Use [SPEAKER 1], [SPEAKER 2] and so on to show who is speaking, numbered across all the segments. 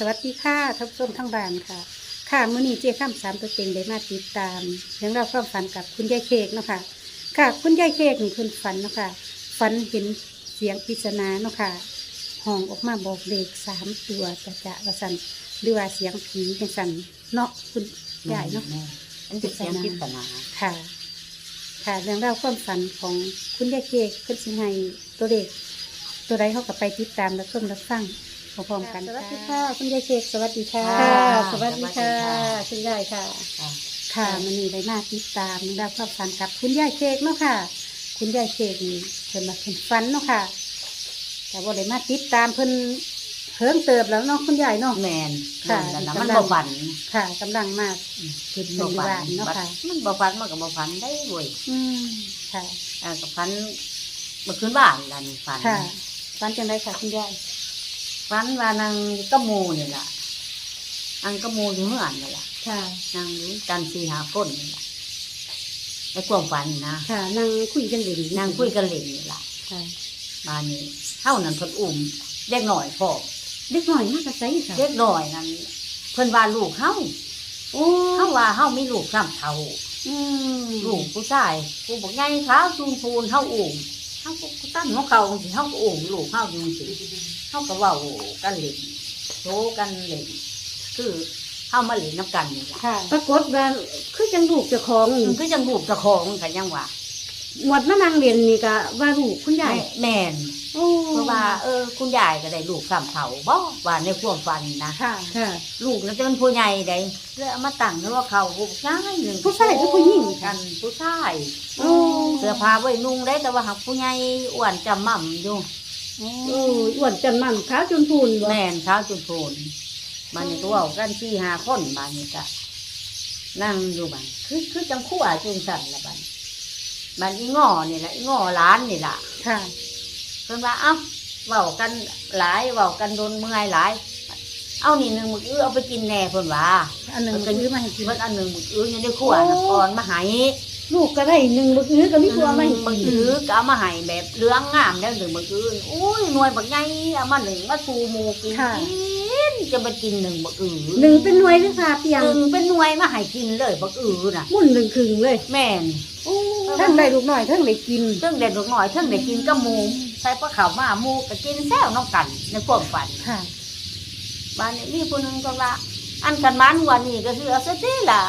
[SPEAKER 1] วัสดีค่ะท่านผู้ชมทั้งบ้านค่ะค่ะมื้อนี้เจ้าข้ามสามตัวเต็งได้มาติดตามเรื่องราวความฝันกับคุณยายเค้กเนาะค่ะค่ะคุณยายเค้กนี่คุณฝันเนาะค่ะฝันเห็นเสียงปริศนาเนาะค่ะห้องออกมาบอกเลข3 ตัวจะว่าสั่นหรือว่าเสียงผีจังสั่นเนาะคุณยายเนาะ
[SPEAKER 2] อันเป็นเสียงปริศนา
[SPEAKER 1] ค่ะ ค่ะเรื่องราวความฝันของคุณยายเค้กเพิ่นสิให้ตัวเลขตัวใดเขาก็ไปติดตามและชมและฟังพร้อมๆกันสวัสดีค่ะคุณยายเค้กสวัสดีค่ะสวัสดีค่ะคุณยายค่ะ ค่ะมันนี่ได้มาติดตามเรื่องราวความฝันกับคุณยายเค้กเนาะค่ะ คุณยายเค้กนี่เพิ่นมาเพิ่นฝันเนาะค่ะ แต่ว่าได้มาติดตามเพิ่นเพิ่งเติบแล้วเนาะคุณยายเนาะ
[SPEAKER 2] แมน
[SPEAKER 1] ค่ะ
[SPEAKER 2] นั่นน่ะมันบ่ฝัน
[SPEAKER 1] ค่ะกำลังมาขึ้นเป็นอยู่บ้านเนาะค่ะ
[SPEAKER 2] มันบ่ฝันมันก็บ่ฝันได้เว้ย
[SPEAKER 1] อืมค่ะ
[SPEAKER 2] ก็ฝันเมื่อคืนบ้านล่ะนี่ฝัน
[SPEAKER 1] ค่ะฝันจังไดค่ะคุณยาย
[SPEAKER 2] ฝันว่านางกะโมนี่ล่ะอังกะโมอยู่เฮือนนี่ล่ะ
[SPEAKER 1] ค่ะ
[SPEAKER 2] นางอยู่กัน4-5คนนี่ล่ะในความฝันนะ
[SPEAKER 1] ค่ะนั่งคุยกันอยู่ดี
[SPEAKER 2] นางคุยกันเล่นนี่ล่ะ
[SPEAKER 1] ค่ะ
[SPEAKER 2] บ้านนี้เฮานั่นเพิ่นอุ้มเด็กน้อยพ่อ
[SPEAKER 1] เด็กหน่อยมากกระไซค่ะ
[SPEAKER 2] เด็กน้อยนั่นเพิ่นว่าลูกเฮา
[SPEAKER 1] โอ้
[SPEAKER 2] เฮาว่าเฮามีลูก3เท่า
[SPEAKER 1] อืม
[SPEAKER 2] ลูกผู้ชายผู้บอกไงขาวจูนพูนเฮาอุ่มเฮาก็ตั้งหัวเข่าสิเฮาก็อุ่มลูกเฮาอยู่สิเฮาก็เว้ากันเล่นโชกันเล่นคือเฮามาเล่นน้ำกันนี่ล่ะ
[SPEAKER 1] ค่ะ ปรากฏว่าคือจังลูกเจ้าของนี่
[SPEAKER 2] มันก็ยังลูกเจ้าของกันยังว่า
[SPEAKER 1] หมดมานั่งเรียนนี่ก็ว่าลูกคุณยาย
[SPEAKER 2] แม่น
[SPEAKER 1] โอ้
[SPEAKER 2] เพราะว่าคุณยายก็ได้ลูกสามเฒ่าบ่ว่าในความฝันนะ
[SPEAKER 1] ค่ะ ค่ะ
[SPEAKER 2] ลูกนั้นจะเป็นผู้ใหญ่ได้แล้วเอามาตั้งแล้วว่าเขาผู้ชายหนึ่ง
[SPEAKER 1] ผู้ชายหรือผู้หญิง
[SPEAKER 2] กั
[SPEAKER 1] ค่ะ
[SPEAKER 2] นผู้ชาย
[SPEAKER 1] โอ้
[SPEAKER 2] เสื้อผ้าไว้นุ่งได้แต่ว่าหักผู้ใหญ่อ้วนจำม่ำอยู่
[SPEAKER 1] โอ้อ้วนจันมันขาวจนพูนบ่
[SPEAKER 2] แม่นเช้าจุนโพนบ้านนี้ก็เว่ากัน4-5คนบ้านนี้ก็นั่งอยู่บ้านคือจังคู่อาจุงสั่นละบ้านบ้านอีง้อนี่แหละอีง้อร้านนี่ล่ะ
[SPEAKER 1] ค่ะ
[SPEAKER 2] เพิ่นว่าเอ้าเว้ากันหลายเว้ากันโดนเมื่อยหลาย เอานี่หนึ่งมึกเอาไปกินแหน่เพิ่นว่า
[SPEAKER 1] อันหนึ่งก็ยื้อมาให้กิน
[SPEAKER 2] เพิ่นอันหนึ่งมึกอยู่ในครัวน่ะก่อนมาให้
[SPEAKER 1] ลูกก็ได้หนึ่งบึกอื้อก็มีตัวมาให้
[SPEAKER 2] มึก
[SPEAKER 1] กิน
[SPEAKER 2] ก็เอามาให้แบบเหลืองงามแล้วหนึ่งมึกอุ้ยหน่วยบักใหญ่เอามาหนึ่งมาสู่หมู่กินจะมากินหนึ่งบัก
[SPEAKER 1] หนึ่งเป็นหน่วยหรือค่ะเปียง
[SPEAKER 2] หนึ่งเป็นหน่วยมาให้กินเลยบักน่ะ
[SPEAKER 1] มุ่นหนึ่งครึ่งเลย
[SPEAKER 2] แม่น
[SPEAKER 1] โอ้ทั้งได้ลูกน้อยทั้งได้กิน
[SPEAKER 2] เทิงเด็ดลูกน้อยเทิงได้กินกับหมูใส่ปลาขาวมาหมูก็กินแซวน้องกันในความฝัน
[SPEAKER 1] ค่ะ
[SPEAKER 2] บ้านนี้มีคนหนึ่งก็ว่าอันกันมันวันนี้ก็คือเอาซะทีละ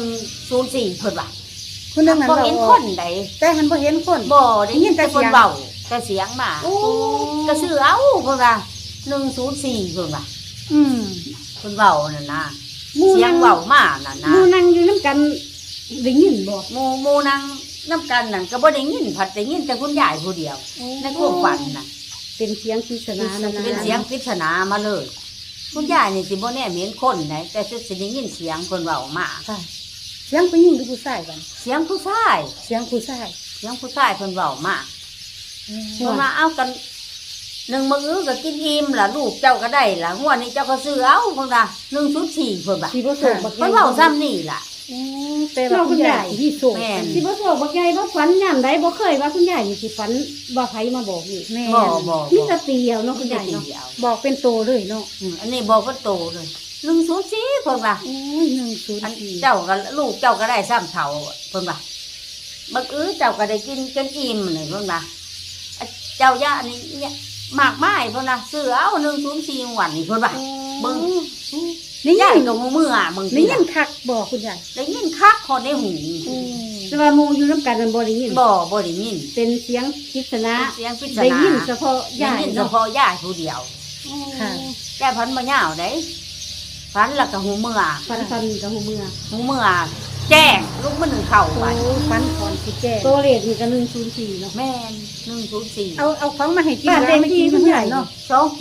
[SPEAKER 2] 104เพิ่นว่า
[SPEAKER 1] คุณนึงนั้น
[SPEAKER 2] บ่
[SPEAKER 1] เรา
[SPEAKER 2] เห็น
[SPEAKER 1] อ
[SPEAKER 2] ค
[SPEAKER 1] อก
[SPEAKER 2] นใด
[SPEAKER 1] แต่หันบ่เห็นคน
[SPEAKER 2] บ่ได้ยินแต่
[SPEAKER 1] ได้ยินแต่
[SPEAKER 2] คน
[SPEAKER 1] เสียง
[SPEAKER 2] เว้าแต่เสียงมา
[SPEAKER 1] โอ้
[SPEAKER 2] ก็ซื้อเอาเพิ่นว่า104เพิ่นว่า
[SPEAKER 1] อืม
[SPEAKER 2] เพิ่นเว้านั่นนะ
[SPEAKER 1] หมู่
[SPEAKER 2] เสีย
[SPEAKER 1] นั่
[SPEAKER 2] ง
[SPEAKER 1] ง
[SPEAKER 2] เว้ามานั่น
[SPEAKER 1] ห
[SPEAKER 2] นะ
[SPEAKER 1] มู่นั่งอยู่น้ำกันได้ยินบ่
[SPEAKER 2] หมู่นางน้ำกันนั่นก็บ่ได้ยินผัดได้ยินแต่คุณยายผู้เดียวในความฝันน่ะ
[SPEAKER 1] เป็นเสียงปริศนานะนะ
[SPEAKER 2] เป็นเสียงปริศนามาเลย คุณยายนี่สิบ่แน่เห็นคนไหนแต่สิได้ยินเสียงคนเว้ามา
[SPEAKER 1] ค่ะเสียงผู้หญิงหรือผู้ชายกัน
[SPEAKER 2] เสียงผู้ชาย
[SPEAKER 1] เสียงผู้ชาย
[SPEAKER 2] เสียงผู้ชายคนเว้ามาเพิ่นมาเอากันหนึ่งมื้อก็กินอิ่มล่ะลูกเจ้าก็ได้ล่ะงวดนี้เจ้าก็ซื้อเอาเพิ่นว่า104เพิ่นว่า
[SPEAKER 1] สิบ่ส่งบัก
[SPEAKER 2] เพิ่นเว้าซ้ำนี่ล่ะ
[SPEAKER 1] แต่ว่าคุณยายที่ส่ง
[SPEAKER 2] แม่น
[SPEAKER 1] สิบ่ส่งบักใหญ่บ่ฝันยามใดบ่เคยว่าคุณยายนี่สิฝันว่าไผมาบอกนี่แม่
[SPEAKER 2] บ่
[SPEAKER 1] มีแต่เตียวเนาะคุณยาย
[SPEAKER 2] เนาะ
[SPEAKER 1] เนาะบอกเป็นโตเลยเนาะ
[SPEAKER 2] อันนี้บอกว่าโตเลย104เพิ่นว่า
[SPEAKER 1] โอ้ย
[SPEAKER 2] อัน
[SPEAKER 1] 104
[SPEAKER 2] เจ้าก็ลูกเจ้าก็ได้ซ้ำเท่าเพิ่นว่าบักเจ้าก็ได้กินจนอิ่มนี่เพิ่นว่าเจ้าย่านี่เนี่ยมากมายเพิ่นว่าซื้อเอา104วันนี่เพิ่นว่าเบิ่ง
[SPEAKER 1] นี่
[SPEAKER 2] ยา
[SPEAKER 1] ยั
[SPEAKER 2] ย
[SPEAKER 1] ง
[SPEAKER 2] กับหมู่มืออ่ะมึง
[SPEAKER 1] นี่ยังคักบอกคุณยาย
[SPEAKER 2] ได้ยินคักคนในหู
[SPEAKER 1] แต่ว่าหมู่อยู่น้ำกันมันบ่ได้ยิน
[SPEAKER 2] บ่ได้ยิน
[SPEAKER 1] เป็นเสียงปริศนา
[SPEAKER 2] เสียงปริศ
[SPEAKER 1] ได้
[SPEAKER 2] นา
[SPEAKER 1] ยินเฉพาะ
[SPEAKER 2] ได้
[SPEAKER 1] ยาย
[SPEAKER 2] ยินเฉ
[SPEAKER 1] เนาะ
[SPEAKER 2] พาะยายผู้เดียว
[SPEAKER 1] ค่ะ
[SPEAKER 2] ยายพันบ่ยาวได้พันแล้วก็หูมือ
[SPEAKER 1] ฟันกับหูเมือ
[SPEAKER 2] หูมือแจ้งลูกมันหนึ่งเข่าไป
[SPEAKER 1] โอ้ฟันก่อนสิแก้ตัวเลขนี่ก็104เนาะ
[SPEAKER 2] แม่น104
[SPEAKER 1] เอาของมาให้กินบ้านเลขที่คุณยายเนาะ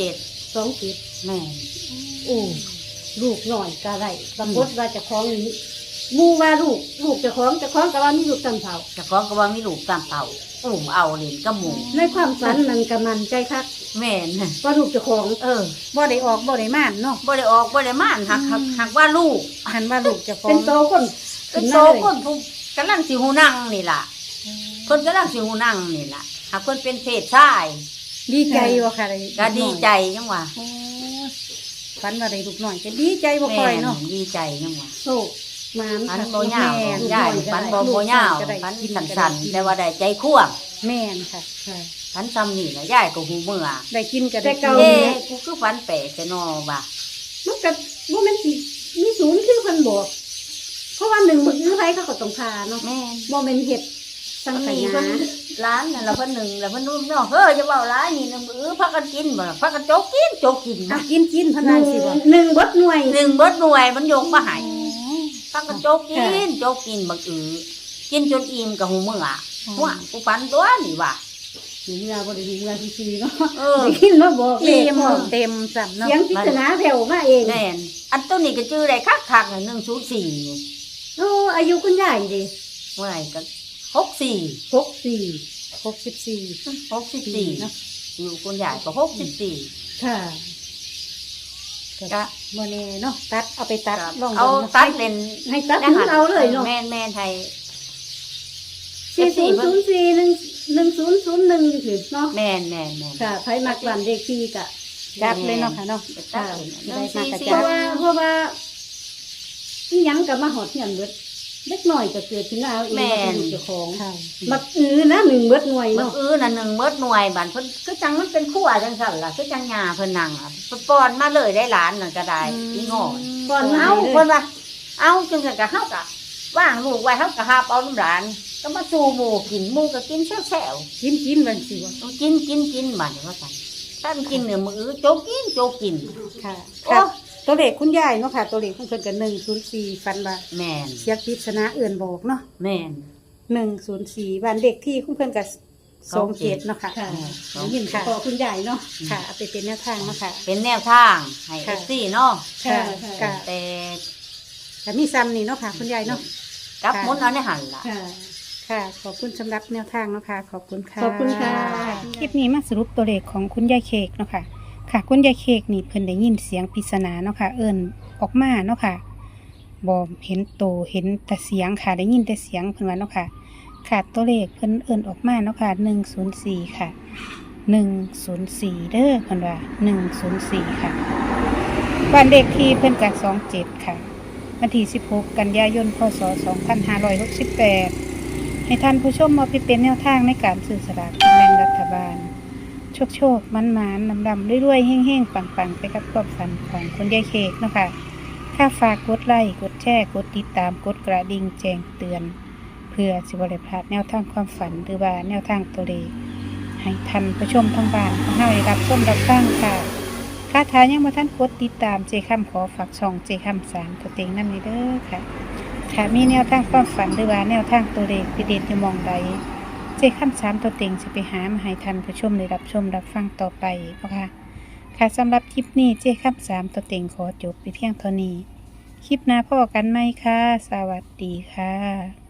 [SPEAKER 2] 27
[SPEAKER 1] 27
[SPEAKER 2] แม่น
[SPEAKER 1] โอ้ลูกหน่อยก็ได้ปรากฏว่าเจะคล้าของนี้หมู่ว่าลูกเจะคล้าของก็ว่ามีลูกตั้งเท่า
[SPEAKER 2] เจ้าของก็ว่ามีลูกตามเต่าอุ้มเอาเล่นกับหมู
[SPEAKER 1] ในความฝันมันก็มันใจคัก
[SPEAKER 2] แม่น
[SPEAKER 1] ว่าลูกเจะคล้าของ
[SPEAKER 2] บ่ได้ออกบ่ได้ม่านหักว่าลูก
[SPEAKER 1] หันว่าลูกเจะคล้าของเป็นโตคน
[SPEAKER 2] เป็นโตคนผู้กำลังสิหูนั่งนี่ล่ะคนกำลังสิหูนั่งนี่ล่ะหากคนเป็นเพศชาย
[SPEAKER 1] ดีใจว่าค่ะ
[SPEAKER 2] ก็ดีใจจังว่า
[SPEAKER 1] โอ้ฝันว่าได้ลูกน้อยก็ดีใจบ่ค่อยเนาะ
[SPEAKER 2] แม่ดีใจยังว่า
[SPEAKER 1] โชคมาน
[SPEAKER 2] ฝัน
[SPEAKER 1] ค่ะ
[SPEAKER 2] บ่ยาว
[SPEAKER 1] แม่
[SPEAKER 2] ยายฝันบ่ยาว
[SPEAKER 1] ก็ได้
[SPEAKER 2] ฝัน
[SPEAKER 1] กิน
[SPEAKER 2] สั้นๆแต่ว่าได้ใจคั่ว
[SPEAKER 1] แม่นค่ะค่ะ
[SPEAKER 2] ฝันซ้ำนี่ล่ะยายก็หูเมื่อ
[SPEAKER 1] ได้กินก็ได้
[SPEAKER 3] แต่เก่า
[SPEAKER 2] เอ๊ะกูคือฝันแปลกแต่นอว่ะ
[SPEAKER 3] มันก็บ่แม่นสิมีศูนย์คือเพิ่นบอกเพราะว่าหนึ่งมื้อไผเขาก็ต้องพาเนาะ
[SPEAKER 2] แม่น
[SPEAKER 3] บ่แม่นเฮ็ดสังข
[SPEAKER 2] นี่
[SPEAKER 3] ยา
[SPEAKER 2] เพิ่นร้านนั่นล่ะเพิ่นหนึ่งแล้วเพิ่นนู้นเนาะเฮ้ยจะเว้าร้ายนี่นะมื้อพักกันกินบ่ล่ะพักกันโจกกิน
[SPEAKER 1] อ่ะ
[SPEAKER 2] นะ
[SPEAKER 1] กินพ
[SPEAKER 3] ห
[SPEAKER 1] นั
[SPEAKER 3] นึ่
[SPEAKER 1] น
[SPEAKER 3] ง
[SPEAKER 1] สิบ่
[SPEAKER 3] หนึ่งเบิดหน่วย
[SPEAKER 2] หนึ่งเบิดหน่วยมันยกมาให้พักกันโจกกินบักกินจนอิ่มกับหูเมื่อหัวกูฝันตัวนี่ว่ะ
[SPEAKER 3] หิวเมื่อบ่ได้หิวเมื่อซื่อๆเนาะ
[SPEAKER 2] เออ
[SPEAKER 3] ได้กินมาบอกเล
[SPEAKER 1] เต็
[SPEAKER 3] ข
[SPEAKER 1] ม
[SPEAKER 3] บอก
[SPEAKER 1] เต็มซ้ำเนาะ
[SPEAKER 3] เสียงปริศนาแผ่วมาเอง
[SPEAKER 2] แม่นอันตัวนี้ก็ชื่อได้คักๆน่ะ104นี่
[SPEAKER 3] โอ้อายุคุณยายดิ
[SPEAKER 2] เมื่อไหร่ก็64
[SPEAKER 3] 64
[SPEAKER 2] 64เนาะอยู่คุณยายก็64
[SPEAKER 3] ค่ะ
[SPEAKER 2] ก็
[SPEAKER 1] บ่แน่เนาะตัดเอาไปตัดลอง
[SPEAKER 2] เอา
[SPEAKER 1] บิ่งนะ
[SPEAKER 2] ตัดเป็น
[SPEAKER 3] ให้ตัดหมุนเอาเลยเนาะ
[SPEAKER 2] แม่นไทย
[SPEAKER 3] 40041001อยู่คือเนาะ
[SPEAKER 2] แม่น
[SPEAKER 3] ค่ะไผมักบ้านเลขที่ก็
[SPEAKER 1] จัดเลยเนาะค่ะเนาะ
[SPEAKER 2] ตัด
[SPEAKER 1] จะได้มากระ
[SPEAKER 3] เพ
[SPEAKER 1] จัด
[SPEAKER 3] ราะว่าอีหยังก็มาหอดเหียนเบิดเล็กน้อยก็เกิดขึ้นมาเอาเองว่าเป็นลูกเจ้าของ
[SPEAKER 1] ค่ะ
[SPEAKER 3] บักนะหนึ่งเบิดหน่วย
[SPEAKER 2] มัน
[SPEAKER 3] เนาะ
[SPEAKER 2] น่ะ1เบิดหน่วยบัดเพิ่นคือจังมันเป็นขั้วจังซั่นล่ะคือจังหญ้าเพิ่นนั่งอ่ะป้อนมาเลยได้หลานนั่นก็ได้อีงอน
[SPEAKER 3] ก่อน
[SPEAKER 2] เอา
[SPEAKER 3] เอา
[SPEAKER 2] คนว่าเอาจังซั่นก็เฮาก็ว่างลูกไว้เฮาก็หาบเอาน้ำหลานก็มาสู่หมู่กินหมู่ก็กินแซ่ว
[SPEAKER 1] กินบันสิบ่
[SPEAKER 2] ๆต้องกินบัดนี้ว่าซั่นถ้ามันกินเนี่ยมื้อโจกกิน
[SPEAKER 1] ค่ะ
[SPEAKER 2] โอ้
[SPEAKER 1] ค่ะตัวเลขคุณยายเนาะค่ะ ตัวเลขของเพิ่นก็104ฟันว่า
[SPEAKER 2] แม่น
[SPEAKER 1] เสียงปริศนาเอื่นบอกเนาะ
[SPEAKER 2] แม่น
[SPEAKER 1] 104บ้านเด็กที่ของเพิ่นก็27เนาะค่ะ
[SPEAKER 3] ค่ะ
[SPEAKER 2] สอง
[SPEAKER 3] ยินขอคุณใหญ่เนาะ
[SPEAKER 1] ค่ะเอาไปเป็นแนวทางเนาะค่ะ
[SPEAKER 2] เป็นแนวทางให้
[SPEAKER 1] ค่ะ
[SPEAKER 2] FC เนาะ
[SPEAKER 3] ค่ะ
[SPEAKER 1] ค่ะ
[SPEAKER 2] แต่
[SPEAKER 1] แต่มีซ้ำนี่เนาะค่ะ คุณยายเนาะ
[SPEAKER 2] กลับหมุนเอาในหันล่ะ
[SPEAKER 3] ค่ะ
[SPEAKER 1] ค่ะ ขอบคุณสำหรับแนวทางเนาะค่ะ ขอบคุณค่ะ
[SPEAKER 3] ขอบคุณค่ะ
[SPEAKER 1] คลิปนี้มาสรุปตัวเลขของคุณยายเค้กเนาะค่ะ ค่ะ คุณยายเค้กนี่เพิ่นได้ยินเสียงปริศนาเนาะค่ะ เอิ้นออกมาเนาะค่ะบ่เห็นโตเห็นแต่เสียงค่ะ ได้ยินแต่เสียงเพิ่นว่าเนาะค่ะ ค่ะตัวเลขเพิ่นเอิ้นออกมาเนาะค่ะ104ค่ะ104เด้อเพิ่นว่า104ค่ะบ้านเลขที่เพิ่นก็27ค่ะวันที่16กันยายนพศ2568ให้ท่านผู้ชมมาไปเป็นแนวทางในการซื้อสลากกินแบ่งรัฐบาลโชคมันดำๆรวยๆเฮ้งๆปังๆไปกับความฝันของคุณยายเค้กเนาะค่ะถ้าฝากกดไลค์กดแชร์กดติดตามกดกระดิ่งแจ้งเตือนเพื่อสิบ่ได้พลาดแนวทางความฝันหรือว่าแนวทางตัวเลขให้ท่านผู้ชมทั้งบ้านของเฮาได้รับชมรับฟังค่ะถ้าทานยังบ่ทันกดติดตามเจคำขอฝากช่องเจคำ3ตัวเต็งนำนี้เด้อค่ะถ้ามีแนวทางความฝันหรือว่าแนวทางตัวเลขพิเศษอยู่หม่องใดเจคำ3ตัวเต็งสิไปหามาให้ท่านผู้ชมได้รับชมรับฟังต่อไปเนาะค่ะค่ะสำหรับคลิปนี้เจคำ3ตัวเต็งขอจบไปเพียงเท่านี้คลิปหน้าพบกันใหม่ค่ะสวัสดีค่ะ